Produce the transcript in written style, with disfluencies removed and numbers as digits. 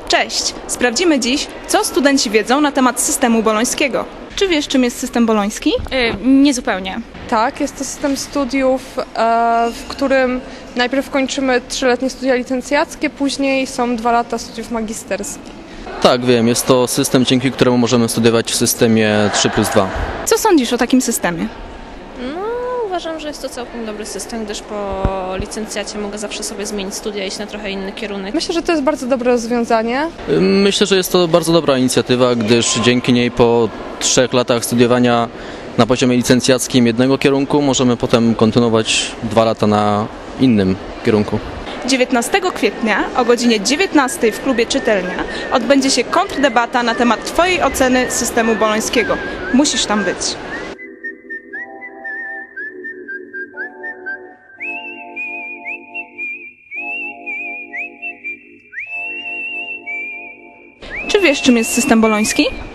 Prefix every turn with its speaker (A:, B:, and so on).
A: Cześć! Sprawdzimy dziś, co studenci wiedzą na temat systemu bolońskiego. Czy wiesz, czym jest system boloński?
B: Niezupełnie.
C: Tak, jest to system studiów, w którym najpierw kończymy 3-letnie studia licencjackie, później są 2 lata studiów magisterskich.
D: Tak, wiem, jest to system, dzięki któremu możemy studiować w systemie 3+2.
A: Co sądzisz o takim systemie?
B: Uważam, że jest to całkiem dobry system, gdyż po licencjacie mogę zawsze sobie zmienić studia i iść na trochę inny kierunek.
C: Myślę, że to jest bardzo dobre rozwiązanie.
D: Myślę, że jest to bardzo dobra inicjatywa, gdyż dzięki niej po 3 latach studiowania na poziomie licencjackim jednego kierunku możemy potem kontynuować 2 lata na innym kierunku.
A: 19 kwietnia o godzinie 19 w klubie Czytelnia odbędzie się kontrdebata na temat Twojej oceny systemu bolońskiego. Musisz tam być. Czy wiesz, czym jest system boloński?